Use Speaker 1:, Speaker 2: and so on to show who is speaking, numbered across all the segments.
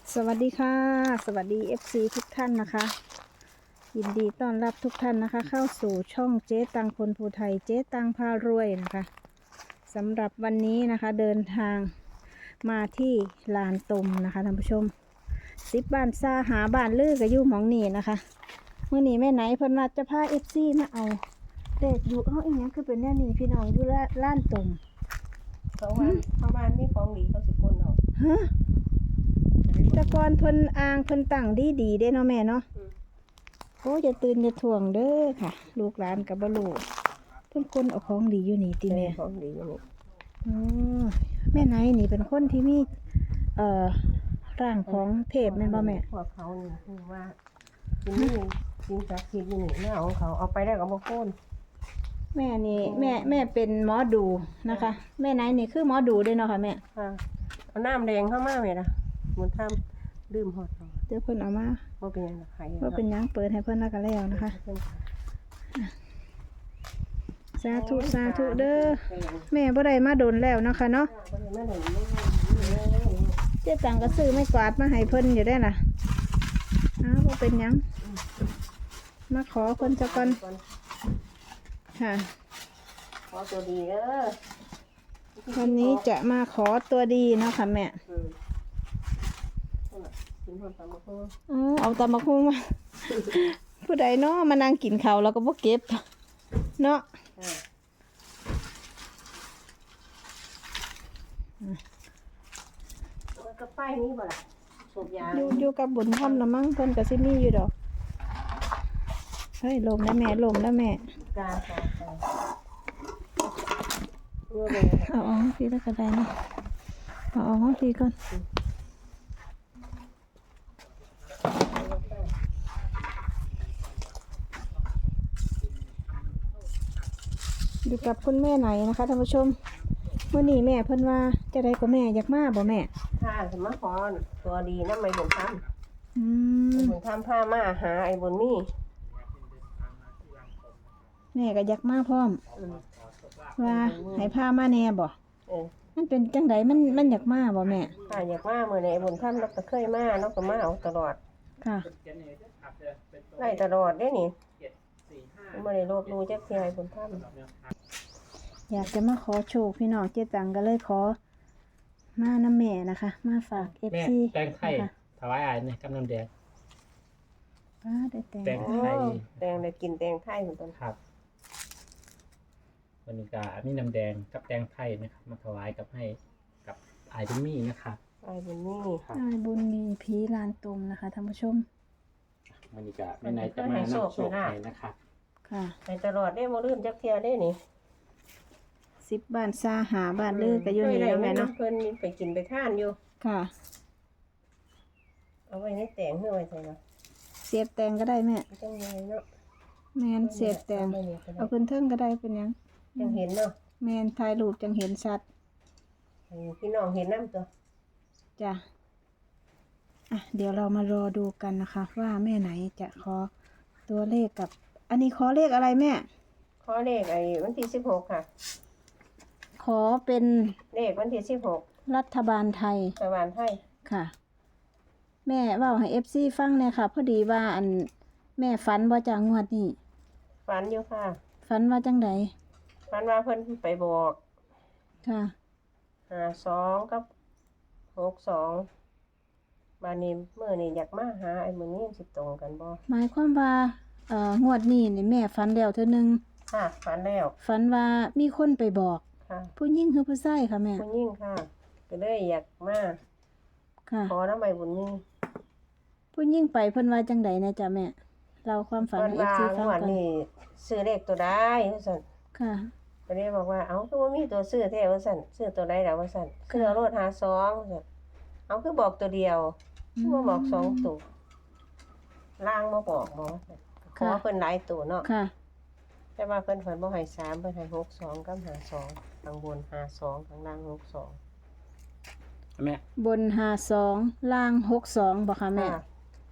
Speaker 1: สวัสดีค่ะสวัสดี FC ทุกท่านนะคะยินดีต้อนรับทุกท่านนะคะเข้าสู่ช่องเจ๊ตังคนภูไทยเจ๊ตังพารวยนะคะสำหรับวันนี้นะคะเดินทางมาที่ลานตมนะคะท่านผู้ชม10 บ้านซาหาบ้านลือกับยู่หมองนี่นะคะเมื่อนี้แม่ไหนเพิ่นว่าจะพา FC มาเอาเด็กอยู่อีกอย่างคือเป็นแน่นี่พี่น้องอยู่ลานตม
Speaker 2: เพราะว่ามีของดีเขาสิกลเอา
Speaker 1: ฮะแต่ก่อนเพิ่นอ่างเพิ่นตั้งดีเด้เนาะแม่เนาะโอ้จะตื่นจะถ่วงเด้อค่ะลูกหลานกับบลูเพิ่นคนเอาของดีอยู่นี่ติแม่
Speaker 2: ของดีอยู่นี่
Speaker 1: อ๋อแม่ไหนนี่เป็นคนที่มีร่างของเทพแม่นบ่แม่
Speaker 2: พวกเขานี่คือว่าที่นี่สิ่งศักดิ์สิทธิ์อยู่นี่แม่เอาของเขาเอาไปได้กับบ่โค่น
Speaker 1: แม่นี่แม่เป็นหมอดูนะคะ แม่ไหนนี่คือหมอดูเด้เนาะค่ะแม่
Speaker 2: ค่ะเอาน้ำแดงเข้ามาแม่ล่ะมันทำดื่มฮอดเอา
Speaker 1: เดี๋ยวเพิ่นเอามา
Speaker 2: บ่เป็นหยังไผ
Speaker 1: ว่าเป็นหยังเปิดให้เพิ่นแล้วก็แล้วนะคะสาธุสาธุเด้อแม่บ่ได้มาโดนแล้วเนาะค่ะเนาะเจ๊ตังก็ซื้อไม้กวาดมาให้เพิ่นอยู่ได้ล่ะบ่เป็นหยังมาขอเพิ่นซะก่อนค่ะ
Speaker 2: ขอตัวดีเด้อ
Speaker 1: วันนี้จะมาขอตัวดีเนาะค่ะแม่
Speaker 2: กินฮอดตามบ่โค่น
Speaker 1: เอาตำบักหุ่งมา ผู้ใดเนาะมานั่งกินข้าวแล้วก็บ่เก็บเนาะ
Speaker 2: มันก็ป้ายนี้บ่ล่ะสูบยา
Speaker 1: อยู่กับบุญธรรมละมั้งเพิ่นก็สิมีอยู่ดอกเฮ้ยลมแล้วแม่ลมแล้วแม่
Speaker 2: กา
Speaker 1: เอาออกทีละก็ได้เนาะเอาออกทีก่อนอยู่กับคุณแม่ไหนนะคะท่านผู้ชมเมื่อนี้แม่เพิ่นว่าจะได้กับแม่อยากมาบ่แม่
Speaker 2: ถ้าสมมาขอตัวดีนำไอ้บุญธรรม
Speaker 1: อืม
Speaker 2: บุญธรรมพามาหาไอ้บุญมี
Speaker 1: แม่ก็อยากมาพร้อมว่าให้พามาแน่บ่มันเป็นจังไดมันอยากมาบ่แม่
Speaker 2: ถ้าอยากมามื้อนี้ไอ้บุญธรรมเราก็เคยมาเราก็มาเอาตลอด
Speaker 1: ค่ะ
Speaker 2: ไล่ตลอดเด้นี่บ่ได้ลบหลู่จักเที่ยไอ้บุญธรรม
Speaker 1: อยากจะมาขอโชคพี่น้องเจ๊ตังก็เลยขอมาน้ำแม่นะคะ มาฝาก
Speaker 3: แม่
Speaker 1: FC
Speaker 3: แตงไทย
Speaker 1: นะคะ
Speaker 3: ถวายอายเนี่ยกำน้ำแดง
Speaker 1: ป้าได้แต่ง
Speaker 3: แตง
Speaker 2: โอ้แตงได้กินแตงไทยเหมือนกัน
Speaker 3: ครับวันนี้ก็มีน้ำแดงกับแตงไทยนะครับ มาถวายกับให้กับอายบุญมีนะครับ
Speaker 2: ไอ้บุญมี
Speaker 3: ครับ
Speaker 1: อ้ายบุญมีผีลานตมนะคะท่านผู้ชม
Speaker 3: วันนี้ก็แม่นายจะมานำโชคให้นะครับ
Speaker 1: ค่ะ
Speaker 2: ให้ตลอดได้บ่ลืมจักเที่ยเด้นี่
Speaker 1: 10 บ้านซาหาบ้านลือก็อยู่นี่แล้วแม่เนาะ
Speaker 2: เพิ่นไปกินไปทานอยู่
Speaker 1: ค่ะ
Speaker 2: เอาไว้ในแตงเฮือไว้ใส่เนาะ
Speaker 1: เสียบแตงก็ได้แม่
Speaker 2: จังไงเนาะ
Speaker 1: แมนเสียบแตงเอาขึ้นเทิงก็ได้เป็นหยัง
Speaker 2: จังเห็นเนาะ
Speaker 1: แมนถ่ายรูปจังเห็นชัด
Speaker 2: ให้พี่น้องเห็นนำตัว
Speaker 1: จ้ะเดี๋ยวเรามารอดูกันนะคะ ว่าแม่ไหนจะขอตัวเลขกับ อันนี้ขอเลขอะไรแม่
Speaker 2: ขอเลขไอ้วันที่16ค่ะ
Speaker 1: ขอเป็น
Speaker 2: เลขวันที่16
Speaker 1: รัฐบาลไทย
Speaker 2: รัฐบาลไทย
Speaker 1: ค่ะ แม่เว่าให้ FC ฟังเนี่ยค่ะ พอดีว่าอันแม่ฝันว่าจะงวดนี้
Speaker 2: ฝันอยู่ค่ะ
Speaker 1: ฝันว่าจังได
Speaker 2: ฝันว่าเพิ่นไปบอก
Speaker 1: ค่ะ
Speaker 2: 52กับ62บาดนี้มื้อนี้อยากมาหาไอ้มื้อนี้สิตรงกันบ่
Speaker 1: หมายความว่างวดนี้นี่แม่ฝันแล้วเทื่อนึง
Speaker 2: ค่ะฝันแล้ว
Speaker 1: ฝันว่ามีคนไปบอก
Speaker 2: ค่ะ
Speaker 1: ผู้หญิงหรือผู้ชายค่ะแม่
Speaker 2: ผู้หญิงค่ะ ก็เลยอยากมา
Speaker 1: ค่ะ
Speaker 2: ขอนำไอ้บุญมี
Speaker 1: ผู้หญิงไปเพิ่นว่าจังไดนะจ๊ะแม่เราความฝัน
Speaker 2: เพิ่น
Speaker 1: ให้
Speaker 2: ว่า
Speaker 1: FC
Speaker 2: ง
Speaker 1: ฟัง
Speaker 2: วด
Speaker 1: กัน
Speaker 2: นี้ซื้อเลขตัวใดว่าซั่น
Speaker 1: ค่ะ
Speaker 2: ก็เลยบอกว่าเอ้าคือบ่มีตัวซื้อแท้ว่าซั่นซื้อตัวใดล่ะว่าซั่นคือเอาโลด52ว่าซั่นเอาคือบอกตัวเดียวคือบ่บอกสองตัวล่างบ่บอกบ่ว่าซั่นขอเพิ่นหลายตัวเนาะ
Speaker 1: ค่ะ
Speaker 2: แต่ว่าเพิ่นบ่ให้3เพิ่นให้62กับ52ข้างบน52ข้างล่าง62
Speaker 3: แม่
Speaker 1: บน52ล่าง62บ่ค่ะแม่
Speaker 2: ค่ะ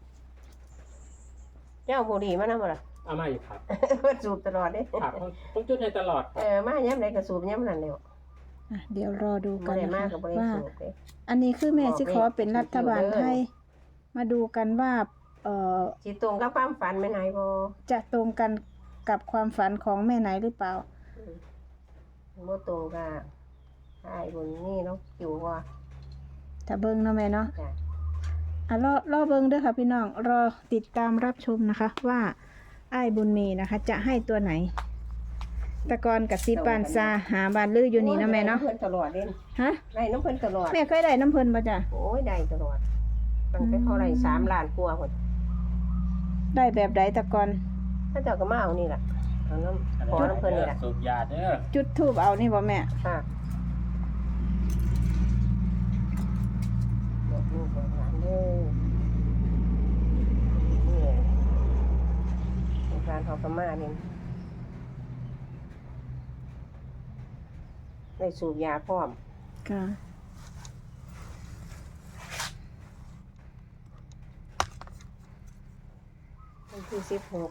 Speaker 2: เจ้าบุหรี่มานำบ่ล่ะ
Speaker 3: เอามาอยู่ครับ
Speaker 2: เพิ่นสูบตลอดเด้
Speaker 3: ครับต้องจุดให้ตลอดครับ
Speaker 2: มายามใดก็สูบยามนั้นแหล้ว
Speaker 1: เดี๋ยวรอดู
Speaker 2: บ่
Speaker 1: กัน
Speaker 2: ได้
Speaker 1: นะ
Speaker 2: มา
Speaker 1: คะ
Speaker 2: ก็บ่ได้
Speaker 1: ว่า
Speaker 2: สูบเด้
Speaker 1: อันนี้คือแม่สิขอเป็นรัฐบาลไทยมาดูกันว่า
Speaker 2: สิตรงกับความฝันแม่นายบ่
Speaker 1: จะตรงกันกับความฝันของแม่ไหนหรือเปล่า
Speaker 2: บ่ตรงกับอ้ายบุญนี่เนาะอยู่ว่า
Speaker 1: ถ้าเบิ่งเนาะแม่เนาะ
Speaker 2: จ้ะ
Speaker 1: รอเบิ่งเด้อค่ะพี่น้องรอติดตามรับชมนะคะ ว่าอ้ายบุญมีนะคะ จะให้ตัวไหนแตะกอนกับซีปานซาหาบานลืออยู่นี่เนาะแม่เนาะ
Speaker 2: ได้ำเพิ่นตลอดเด้
Speaker 1: ฮะ
Speaker 2: ได้น้ำเพิ่นตลอด
Speaker 1: แม่เคยได้น้ำเพิ่นบ่จ้ะ
Speaker 2: โอ้ยได้ตลอดตั้งแต่เท่าไหร่3 ล้านกว่าพุ่น
Speaker 1: ได้แบบใดแตะกอน
Speaker 2: ถ้าเจ้าก็มาเอานี่ล่ะเอาน้ำขอน้ำเพิ่นนี่ล่ะ
Speaker 3: สูบยาเด้อ
Speaker 1: จุดทูบเอานี่บ่แม่
Speaker 2: ค่ะบอกลูกบอกหลานเด้อนี่โรงการเขาก็มานี่ได้สูบยาพร้อม
Speaker 1: ค่ะ
Speaker 2: วันที่16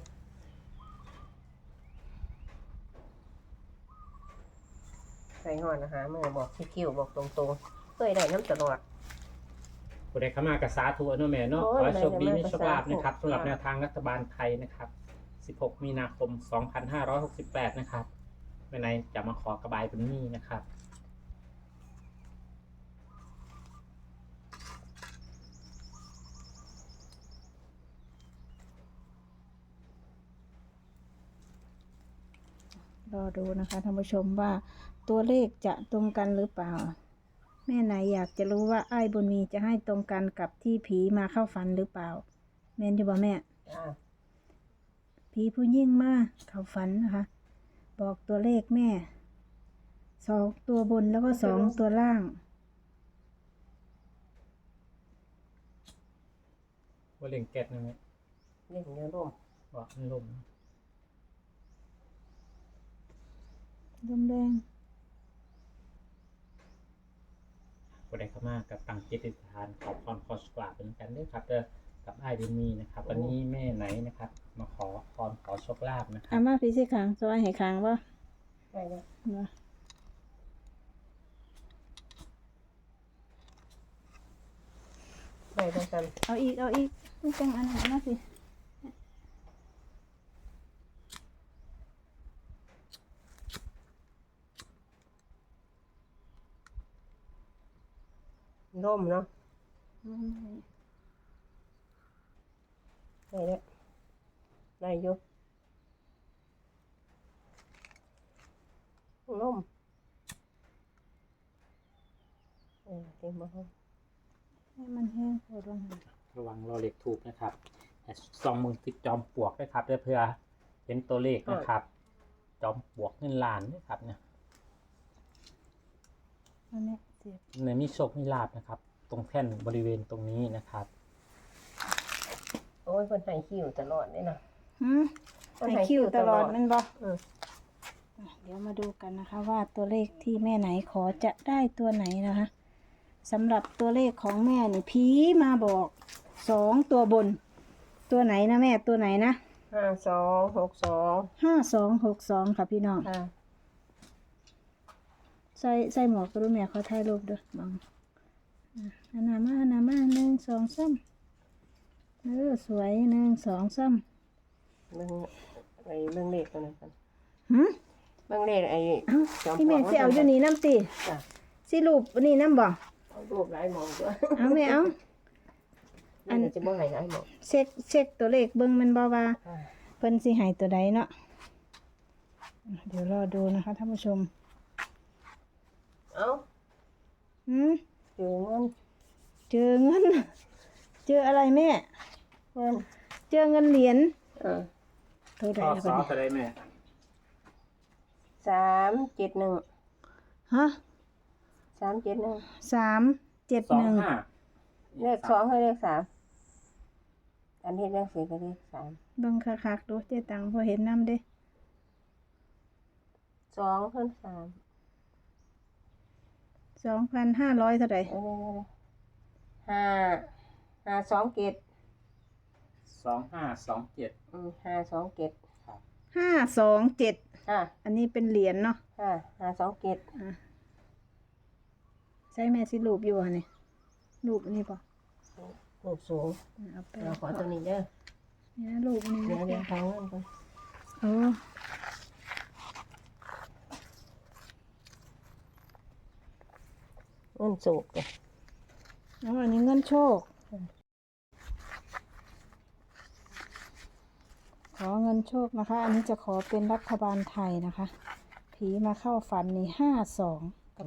Speaker 2: ใส่ห่อนอาหารมือบอกที่คิวบอกตรงๆเคยได้น้ำตลอด
Speaker 3: ผู้ใดเข้ามากับสาธุเนาะแม่เนาะ
Speaker 2: โอ้
Speaker 3: ข
Speaker 2: ย
Speaker 3: อให้โชคดี
Speaker 2: ได้
Speaker 3: มี
Speaker 2: แต่
Speaker 3: โชคลาภ
Speaker 2: มา
Speaker 3: นะครับ
Speaker 2: สาธุ
Speaker 3: สำหรับแนวทางรัฐบาลไทยนะครับ 16 มีนาคม 2568 นะครับแม่ไหนจะมาขอกระบายเป็นนี่นะครับ
Speaker 1: รอดูนะคะท่านผู้ชมว่าตัวเลขจะตรงกันหรือเปล่า แม่ไหนอยากจะรู้ว่าอ้ายบุญมีจะให้ตรงกันกับที่ผีมาเข้าฝันหรือเปล่า แม่นอยู่บ่แม่
Speaker 2: จ้า
Speaker 1: ผีผู้ยิ่งมาเข้าฝันนะคะ บอกตัวเลขแม่2 ตัวบนแล้วก็2 ตัวล่าง
Speaker 3: ว่าเล่งแก๊สนะแม่
Speaker 2: เล่นเยอะร่ม
Speaker 3: ว่ามันลม
Speaker 1: ลมแดง
Speaker 3: ผู้ใดเข้ามากับตังจิตติฐานขอพรขอสกลาเป็นกันด้วยครับเด้อกับไอ้ายบุญมีนะครับ วันนี้แม่ไหนนะครับ มาขอพรขอโชคลาภนะครั
Speaker 1: อา
Speaker 3: บ
Speaker 1: มาพี่สิขังสวายให้ขังบ่
Speaker 2: ได้แล้ว
Speaker 1: บ่
Speaker 2: ได้ทั้งกัน
Speaker 1: เอาอีกไม่จังอันนั้นมาสิ
Speaker 2: ร่มเนาะ
Speaker 1: อืม
Speaker 2: ได้แล้วได้อยู่ร่มเต็มมาห้อง
Speaker 1: ให้มันแห้งพอลงหา
Speaker 3: ระวังรอเหล็กถูกนะครับซองมือติดจอมปลวกด้วยครับเพื่อเห็นตัวเลขนะครับ จอมปลวกเงินล้านด้วยครับเนี่ย
Speaker 1: อันเนี้ยเสียบ
Speaker 3: ในมีโชคมีลาภนะครับ ตรงแท่นบริเวณตรงนี้นะครับ
Speaker 2: โอ้ยคนให้คิวตลอดเลยนะ
Speaker 1: หืมให้คิวตลอดแมันบ่
Speaker 2: อืม
Speaker 1: เดี๋ยวมาดูกันนะคะ ว่าตัวเลขที่แม่ไหนขอจะได้ตัวไหนนะคะสำหรับตัวเลขของแม่นี่ผีมาบอก2 ตัวบน ตัวไหนนะแม่ตัวไหนนะ
Speaker 2: 5262
Speaker 1: 5262ค่ะพี่น้อง
Speaker 2: ค่ะ
Speaker 1: ใส่หมวกก็รู้แม่เขาถ่ายรูปด้วยบังอันนามา1 2 3สวย1 2 3
Speaker 2: เบิ่งไอ้เบิ่งเลขตัวนั้นกัน
Speaker 1: หืม
Speaker 2: เบิ่งเลขไอ้
Speaker 1: เอ้า
Speaker 2: จอม
Speaker 1: พี่แม่สิเอาอยู่นี่น้ำติ
Speaker 2: จ้ะ
Speaker 1: สิรูปนี่น้ำบ่
Speaker 2: เอารูปหลายหมองตัว
Speaker 1: เอาแม่เอา
Speaker 2: อันนี้จะบ่ให้หลายหมอง
Speaker 1: เช็คตัวเลขเบิ่งแมันบ่ว่า
Speaker 2: ค่ะ
Speaker 1: เพิ่นสิให้ตัวใดเนาะเดี๋ยวรอดูนะคะท่านผู้ชม
Speaker 2: เอ้า
Speaker 1: หืม
Speaker 2: เจอเงิน
Speaker 1: เจอเงิน เจออะไรแม่
Speaker 2: เงิน
Speaker 1: เจอเงินเหรียญ
Speaker 2: เออ
Speaker 1: เท่าใด
Speaker 3: ข้อ
Speaker 1: แล้ว
Speaker 3: ส
Speaker 1: บั
Speaker 3: อ
Speaker 1: ด
Speaker 3: บ
Speaker 1: นี้
Speaker 3: อะไรแม่
Speaker 2: 371
Speaker 1: ฮะ
Speaker 2: 371
Speaker 1: 371
Speaker 3: 25
Speaker 2: เลข2ให้เลข3อันที่เลข4ก็เลข3
Speaker 1: เบิ่งคักๆดูเจ๊ตังบ่เห็นนำเด้
Speaker 2: 2คูณ3
Speaker 1: 2,500เท่าใด
Speaker 2: 527
Speaker 3: 2527
Speaker 2: 527
Speaker 3: ครับ
Speaker 1: 527
Speaker 2: ค่ะ
Speaker 1: อันนี้เป็นเหรียญเนาะ
Speaker 2: ค่ะ527
Speaker 1: ใช่แม่สิรูปอยู่หั่นนี่รูปอันนี้บ่
Speaker 2: นลูกสูง
Speaker 1: เอาไป
Speaker 2: เราขอตัวนี้เด้อ
Speaker 1: เนี่ยลูกนี่
Speaker 2: เดี๋ยวทางเงินก่อน
Speaker 1: โอ้
Speaker 2: เงินสูงเลย
Speaker 1: แล้วอันนี้เงินโชค ขอเงินโชคนะคะ อันนี้จะขอเป็นรัฐบาลไทยนะคะ ผีมาเข้าฝันนี่52 กับ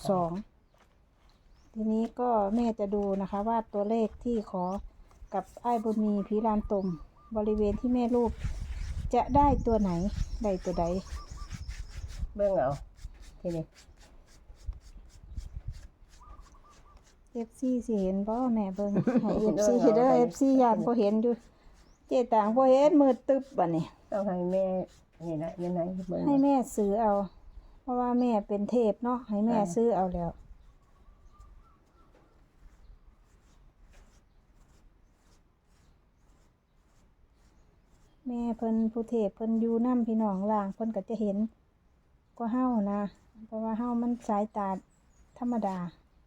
Speaker 1: 62 ทีนี้ก็แม่จะดูนะคะว่าตัวเลขที่ขอกับไอ้ายบุญมีผีลานตมบริเวณที่แม่รูปจะได้ตัวไหนได้ตัวใด
Speaker 2: เบิ่งเอาทีนี้
Speaker 1: FC สิเห็นบ่แม่เบิ่งให้ FC เด้อ FC ย่านบ่เห็นอยู่เจต่างบ่เห็นมืดตึ๊บบัดนี้
Speaker 2: ต้องให้แม่นี่นะยังไงเบิ่ง
Speaker 1: ให้แม่ซื้อเอา เพราะว่าแม่เป็นเทพเนาะให้แม่ซื้อเอาแล้ว แม่เพิ่นผู้เทพเพิ่นอยู่นำพี่น้องล่างเพิ่นก็จะเห็นกว่าเฮานะ เพราะว่าเฮามันสายตาธรรมดา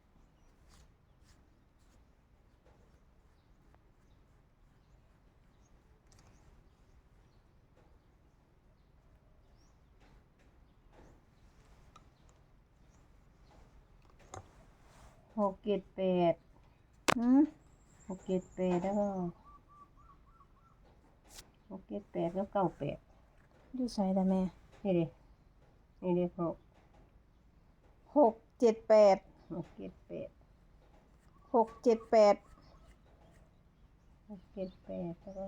Speaker 2: 6 7 8
Speaker 1: หืม
Speaker 2: 6 7 8แล้วก็6 7 8แล้ว9 8
Speaker 1: อยู่ไสล่ะแม่
Speaker 2: นี่ดินี่ดิ6
Speaker 1: 6 7 8
Speaker 2: 6 7 8
Speaker 1: 6 7 8
Speaker 2: 6 7 8แล้วก็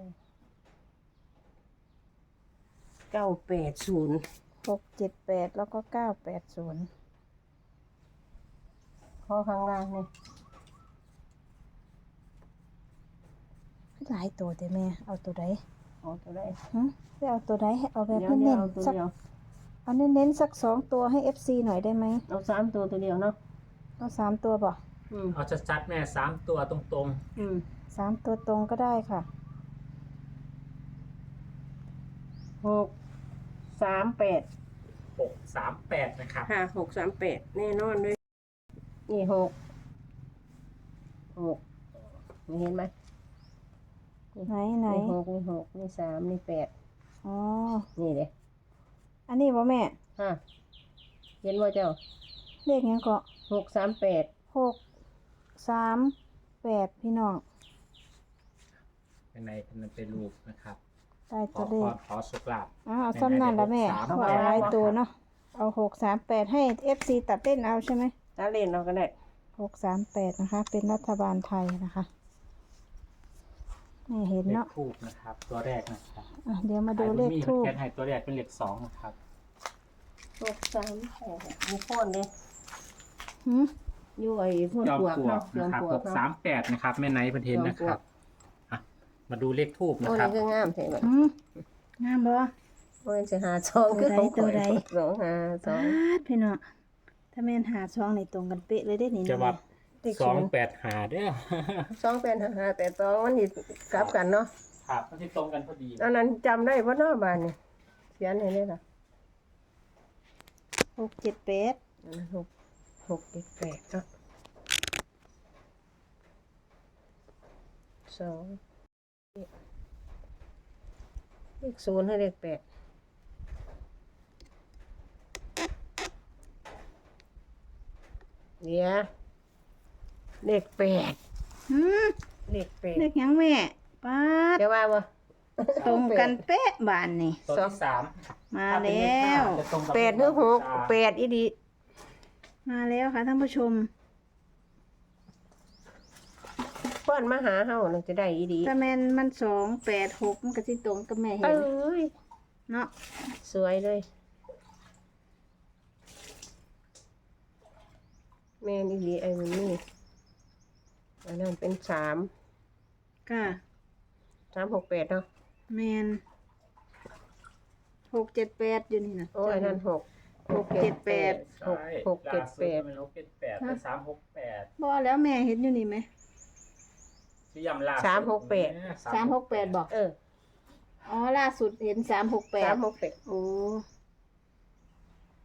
Speaker 2: 980
Speaker 1: 6 7 8แล้วก็980
Speaker 2: ข้อข้างล่างนี่
Speaker 1: หลายตัวเด้แม่เอาตัวใด
Speaker 2: เอาตัวได้
Speaker 1: หึไปเอาตัวใดให้เอาแบบ
Speaker 2: เดี๋ยว
Speaker 1: เน้น
Speaker 2: เอาตัว
Speaker 1: ๆสัก
Speaker 2: เดียว
Speaker 1: เอาเน้นๆสัก2ตัวให้ FC หน่อยได้ไหม
Speaker 2: เอา3ตัวตัวเดียวเนาะ
Speaker 1: เอา3ตัวบ่
Speaker 3: เอาชัดๆแม่3ตัวตรง
Speaker 1: 3ตัวตรงก็ได้ค่ะ
Speaker 2: 6 3 8
Speaker 3: ๆ638นะครับ
Speaker 2: ค่ะ6 3 8แน่นอนด้วยนี่6 6เห็นไหม
Speaker 1: ไหนไหน
Speaker 2: นี่6นี่6นี่3นี่8
Speaker 1: อ๋อ
Speaker 2: นี่เด้
Speaker 1: อันนี้บ่แม่
Speaker 2: ฮะเห็นว่าเจ้า
Speaker 1: เลขหยังก็
Speaker 2: 6 3 8
Speaker 1: 6 3 8พี่น้อง
Speaker 3: เป็นในเป็นรูปนะครับ
Speaker 1: ได้
Speaker 3: ข
Speaker 1: ตั
Speaker 3: อ
Speaker 1: วเล
Speaker 3: พ
Speaker 1: ข
Speaker 3: รขอสุขลาภ
Speaker 1: เอาซ้ำนั่นละแม่เอาหลายตัวเนาะเอา6 3 8ให้ FC ตัดเต้นเอาใช่ไหม
Speaker 2: ถ้าเล่นเราก็ได้
Speaker 1: 638นะคะ เป็นรัฐบาลไทยนะคะนี่เห็น
Speaker 3: เลข
Speaker 1: เนาะ
Speaker 3: ทูบนะครับ ตัวแรกนะครับ
Speaker 1: อ่ะเดี๋ยวมาดูเลขทูบ
Speaker 3: แคทให้ตัวแรกเป็นเลข2นะครับ
Speaker 2: 6 3 8มีโคนเลย
Speaker 1: หืม
Speaker 2: อยู่ไอ้พวก
Speaker 3: จอม
Speaker 2: ปลวก
Speaker 3: ปลว
Speaker 2: เนาะ
Speaker 3: ก
Speaker 2: จอ
Speaker 3: นะ
Speaker 2: ม
Speaker 3: ครับ
Speaker 2: ปลวกเนาะ
Speaker 3: 638นะครับแม่ไนท์ประเทนนะครับอ่ะมาดูเลขทูบ
Speaker 2: โอ้
Speaker 3: นะค
Speaker 2: นี่
Speaker 3: รับ
Speaker 2: คืองามใช่ไหม
Speaker 1: หืมงามบ่
Speaker 2: โอ้ยจะหาซองคือของ
Speaker 1: ตัวใด
Speaker 2: 2 5
Speaker 1: สาดพี่น้องถ้าแม่นหาช่องในตรงกันเป๊ะเลยได้นี่
Speaker 3: จะ
Speaker 1: นะ
Speaker 3: ว่า
Speaker 1: แม่
Speaker 3: 285เด้อ
Speaker 2: 2 2 8 5 8 2มันนี่กลับกันเนาะ
Speaker 3: ครับมันที่ตรงกันพอดี
Speaker 2: อันนั้นจำได้เพราะหน้าบ้านนี่เขียนให้เลยล่ะ
Speaker 1: 678
Speaker 2: อันนั้น6 7 8ก็2เลข0ให้เลข8เนี่ยเลข8
Speaker 1: หืม
Speaker 2: เลข
Speaker 1: เลขหยังแม่ป๊าด
Speaker 2: จะว่าบ่
Speaker 1: ตรงกันเป๊ะบานนี่
Speaker 3: ตัวที่3
Speaker 1: มาแล้ว
Speaker 3: จะตรงกับ
Speaker 2: 8หรือ6 8อีดี
Speaker 1: มาแล้วค่ะท่านผู้ชม
Speaker 2: เพิ่นมาหาเฮาน่ะจะได้อีดี
Speaker 1: ถ้าแม่นมัน286มันก็สิตรงกับแม่เห็
Speaker 2: เอ้
Speaker 1: น
Speaker 2: ย
Speaker 1: เนาะ
Speaker 2: สวยเลย แม่นี่ดีไอ้มันนี่อันนั้นเป็น3
Speaker 1: ค่ะ
Speaker 2: 3 6 8เนาะ
Speaker 1: แม่น678อยู่นี่นะ
Speaker 2: โอ้ยอันนั้น6 6 7 8 6 6 7 8
Speaker 3: 6 7 8เป็น368
Speaker 1: บ่แล้วแม่เห็นอยู่นี่ไหม
Speaker 3: ที่ยำล่า
Speaker 1: 368บอก
Speaker 2: เออ
Speaker 1: อ๋อล่าสุดเห็น368
Speaker 2: 3 6 8
Speaker 1: โอ้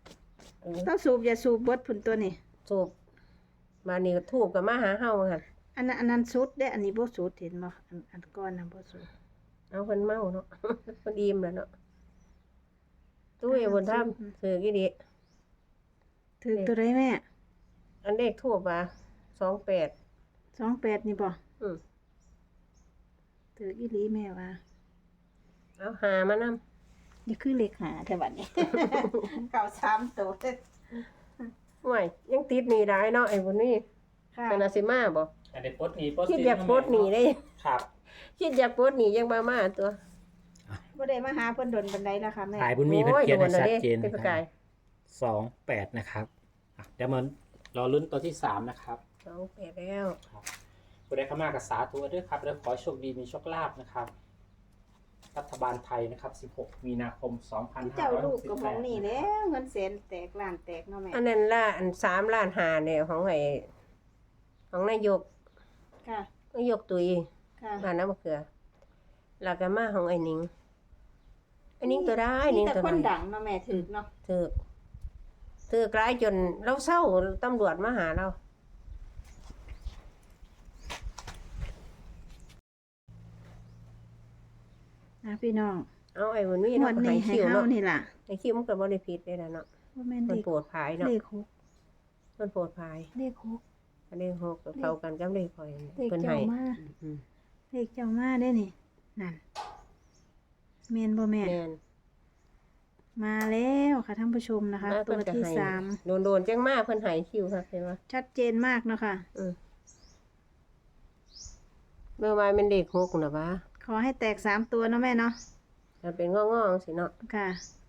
Speaker 1: ต้องสูบอย่าสูบเบดผุนตัวนี่
Speaker 2: สูบมานี่ก็ทูบกับมาหาเฮาหั่น
Speaker 1: อันนั้นสุดเด้อันนี้บ่สุดเห็นบ่อันก่อนน่ะบ่สุด
Speaker 2: เอาเพิ่นเมาเนาะ เพิ่นอิ่มแล้วเนาะตู้อย่าบนถ้ำถือกี่ดิ
Speaker 1: ถือตัวใดแม่
Speaker 2: อันเลขทั่วมา28
Speaker 1: 28นี่บ่
Speaker 2: อืม
Speaker 1: ถืออีหลีแม่ว่า
Speaker 2: เอาหามานำ
Speaker 1: นี่คือเลขหาแต่บัดนี้ เก่า3ตัว
Speaker 2: ห่วยยังติดหนี้ได้เนาะไอ้บุญนี่
Speaker 1: ค่ะ
Speaker 2: เป็นอาสิมาบ่
Speaker 3: อันนี้ปลดหนี้ปลด
Speaker 2: คิด
Speaker 3: สิน
Speaker 2: อยากปลดหนี้ได้
Speaker 3: ครับ
Speaker 2: คิดอยากปลดหนี้ยังมาตัว
Speaker 1: บ่ได้มาหาเพิ่นดนปานใดล่ะค่ะแม่
Speaker 3: ขายบุญมีเพิ่นเขียนให้
Speaker 2: โอ้
Speaker 3: ชัด
Speaker 2: โด
Speaker 3: เจน
Speaker 2: เป็น
Speaker 3: นะ
Speaker 2: ประ
Speaker 3: ค
Speaker 2: กา
Speaker 3: รั
Speaker 2: ย
Speaker 3: บ28นะครับเดี๋ยวมันรอลุ้นตัวที่3นะครับ
Speaker 2: 28แล้ว
Speaker 3: ผู้ใดเข้ามากับสาธุด้วยครับแล้วขอให้โชคดีมีโชคลาภนะครับรัฐบาลไทยนะครับ16 มีนาคม
Speaker 1: เจ้าลูกก็มองนี่
Speaker 3: 2568
Speaker 1: แหล้วเงินแสนแตกล้านแตกเนาะแม่
Speaker 2: อันนั้นล่ะอัน3ล้าน5เนี่ยของไอ้ของนายก
Speaker 1: ค่ะ
Speaker 2: นายกตุย
Speaker 1: ค่ะ
Speaker 2: บ้านน้ำมะเขือแล้วก็มาของไอ้หนิงไอ้หนิงตัวได้หนิง
Speaker 1: แต่
Speaker 2: ตัว
Speaker 1: คน
Speaker 2: ได้
Speaker 1: ดังเนาะแม่ถึกเนาะ
Speaker 2: ถือกลายจนเราเศร้าตำรวจมาหาเรา
Speaker 1: พี่น้อง
Speaker 2: เอาไอ้บุญมี
Speaker 1: งว
Speaker 2: เนาะ
Speaker 1: ด
Speaker 2: ให้
Speaker 1: นี้ให้
Speaker 2: คิว
Speaker 1: เฮา
Speaker 2: เนาะ
Speaker 1: นี่ล่ะ
Speaker 2: ให้คิวมันก็บ่ได้ผิดเลยนะเนาะ
Speaker 1: ว่าแม่น
Speaker 2: มัน
Speaker 1: เลข
Speaker 2: โปรดภายเนาะ
Speaker 1: เลขหก
Speaker 2: มันโปรดภาย
Speaker 1: เลขหก
Speaker 2: อันนี้6ก็เข้ากันกับเลขข่อย
Speaker 1: เลข
Speaker 2: เพิ่น
Speaker 1: เจ้า
Speaker 2: ให้
Speaker 1: มา
Speaker 2: อืม
Speaker 1: เลขเจ้ามาได้นี่นั่นแม่นบ่แม่
Speaker 2: แม่น
Speaker 1: มาแล้วค่ะท่านผู้ชมนะคะ
Speaker 2: มา
Speaker 1: ตัว
Speaker 2: เพิ่นก็
Speaker 1: ที่
Speaker 2: ให้
Speaker 1: สาม
Speaker 2: โดนๆจังมาเพิ่นให้คิวค่ะเห็นบ่
Speaker 1: ชัดเจนมากเนาะค่ะ
Speaker 2: เมื่อวานเป็นเลข6น่ะวะ
Speaker 1: ขอให้แตก3ตัวเนาะแม่เนาะ
Speaker 2: มันเป็นงอๆสิเนาะ
Speaker 1: ค่ะ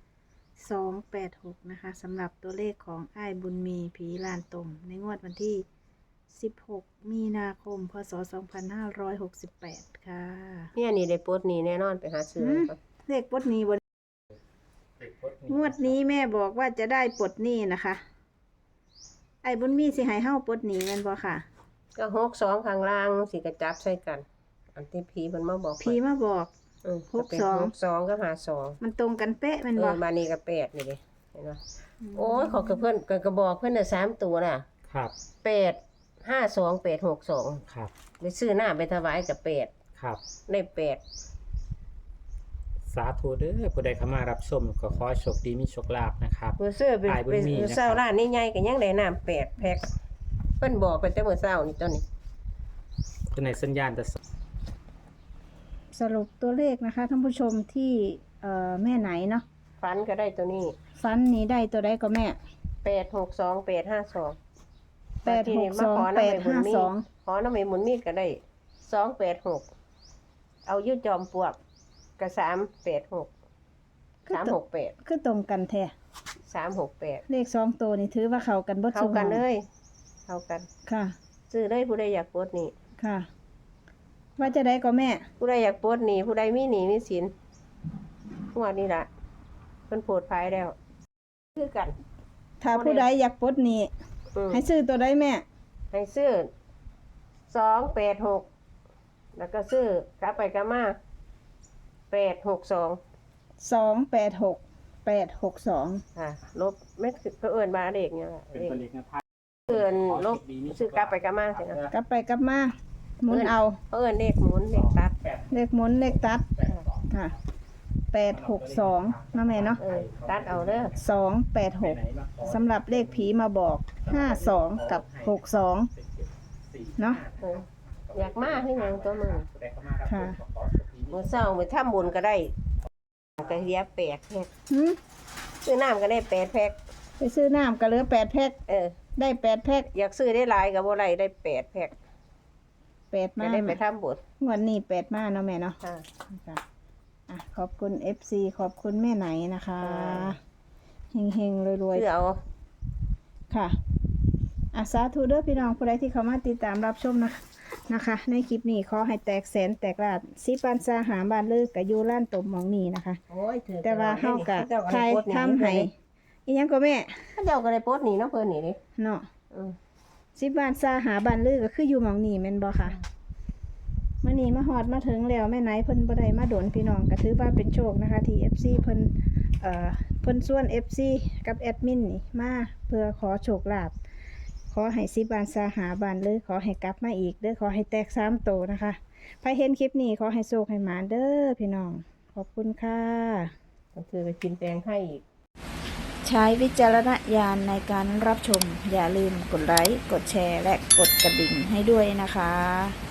Speaker 1: 286นะคะสำหรับตัวเลขของอ้ายบุญมีผีลานตมในงวดวันที่16 มีนาคม พศ 2568 ค่ะ
Speaker 2: เนี่ยนี่ได้ปลดหนี้แน่นอนไปหาซื้อก่อน
Speaker 1: เลขปลดหนี้บนงวดนี้แม่บอกว่าจะได้ปลดหนี้นะคะ ไอ้บุญมีสิให้เฮาปลดหนี้แม่นบ่ค่ะ
Speaker 2: ก็62ข้างล่างสิกระจับใส่กัน อันที่ผีเพิ่นมาบอก
Speaker 1: ผีมาบอก
Speaker 2: 62กับ52
Speaker 1: มันตรงกันเป๊ะแม่นบ่
Speaker 2: บานนี้ก็8นี่เด้เห็นบ่โอ้ยขอกับเพิ่นก็บอกเพิ่นน่ะ3ตัวน่ะ
Speaker 3: ครับ
Speaker 2: 8 52 862
Speaker 3: ครับ
Speaker 2: ไปซื้อหน้าไปถวายกับ8
Speaker 3: ครับ
Speaker 2: ได้8
Speaker 3: สาธุเด้อผู้ใดเข้ามารับชมก็ขอให้โชคดีมีโชคลาภนะครับ
Speaker 2: ผู้ซื้อไป
Speaker 3: ขายบุญมีนะครับ
Speaker 2: เช้าร้านนี้ใหญ่ก็ยังได้น้ำ8แพ็คเพิ่นบอกไปแต่มื้อเช้านี่ตัวนี้
Speaker 3: คือในสัญญาณจะ
Speaker 1: สรุปตัวเลขนะคะท่านผู้ชมที่แม่ไหนเนาะ
Speaker 2: ฝันก็ได้ตัวนี้
Speaker 1: ฟันนี้ได้ตัวใดก็แม่
Speaker 2: 862 852
Speaker 1: 862
Speaker 2: ขอน้ำมันหมุนมีดก็ได้286เอายืดจอมปลวกก็386 368
Speaker 1: คือตรงกันแท้
Speaker 2: 368
Speaker 1: เลข2ตัวนี่ถือว่าเข้ากันเบิด
Speaker 2: เข้ากันเลยเข้ากัน
Speaker 1: ค่ะ
Speaker 2: ซื้อได้ผู้ใดอยากปลดหนี้
Speaker 1: ค่ะ ว่าจะได้ก็แม่
Speaker 2: ผู้ใดอยากปลดหนี้ผู้ใดมีหนี้มีสินงวดนี้ล่ะเพิ่นโพดภายแล้วคือกัน
Speaker 1: ถ้าผู้ใดอยากปลดหนี้
Speaker 2: อืม
Speaker 1: ให้ซื้อตัวใดแม่
Speaker 2: ให้ซื้อ286แล้วก็ซื้อกลับไปกลับมา862
Speaker 1: 286
Speaker 2: ค่ะลบไม่คือเอิ้นมาเลขเนี่ยล่ะ
Speaker 3: เป็น
Speaker 2: เลข
Speaker 3: ตัวเลขแนวทาง
Speaker 2: เอิ้นลบซื้อกลับไปกลับมาสินะ
Speaker 1: กลับไปกลับมาหมุนเอา
Speaker 2: เอิ้นเลขหมุนเลขตัด
Speaker 1: เลขหมุนเลขตัดค่ะ862นะแม่เนาะ
Speaker 2: ตัดเอาเด้อ
Speaker 1: 286สำหรับเลขผีมาบอก52กับ62เนาะ
Speaker 2: เอออยากมาคือหยังตัวมึง
Speaker 1: ค่ะ
Speaker 2: มื้อเช้ามื้อทำบุญก็ได้ก็เรีย8แพ็ค
Speaker 1: หืม
Speaker 2: ซื้อน้ำก็ได้8แพ็ค
Speaker 1: ไปซื้อน้ำก็เหลือ8แพ็ค
Speaker 2: เออ
Speaker 1: ได้8แพ็ค
Speaker 2: อยากซื้อได้หลายก็บ่ได้ได้8แพ็ค
Speaker 1: 8
Speaker 2: จะ
Speaker 1: มา
Speaker 2: ได้ไปทำบุญ
Speaker 1: งวดนี้8มาเนาะแม่เนาะ
Speaker 2: ค่ะ
Speaker 1: ค่ะอ่ะขอบคุณ FC ขอบคุณแม่ไหนนะคะ
Speaker 2: ค่ะ
Speaker 1: เฮงๆรวย
Speaker 2: ซื้อเอา
Speaker 1: ๆค่ะอ่ะสาธุเด้อพี่น้องผู้ใดที่เข้ามาติดตามรับชมนะคะ ในคลิปนี้ขอให้แตกแสนแตกลาดสิปันซาหาบานเลิกกับยูล้านตมหมองนี้นะคะ
Speaker 2: โอ้ยถือ
Speaker 1: แต่ว่าเฮากะใครทำให้อีหยังก็แม่
Speaker 2: เขาเจ้าก็ได้โพสต์หนีเนาะเพิ่นนี่เด้
Speaker 1: เนาะ
Speaker 2: อือ
Speaker 1: สิบานซาหาบานลือก็คืออยู่หมองนี้แม่นบ่ค่ะมื้อนี้มาฮอดมาถึงแล้วแม่ไหนเพิ่นบ่ได้มาโดนพี่น้องก็ถือว่าเป็นโชคนะคะที่ FC เพิ่นเพิ่นส่วน FC กับแอดมินนี่มาเพื่อขอโชคลาภขขอให้10 บานสาหาบานเลยขอให้กลับมาอีกเด้อขอให้แตก3 โตนะคะใครเห็นคลิปนี้ขอให้โชคให้หมาเด้อพี่น้องขอบคุณค่ะ
Speaker 2: ก็คือไปกินแตงไทยอีก
Speaker 1: ใช้วิจารณญาณในการรับชมอย่าลืมกดไลค์กดแชร์และกดกระดิ่งให้ด้วยนะคะ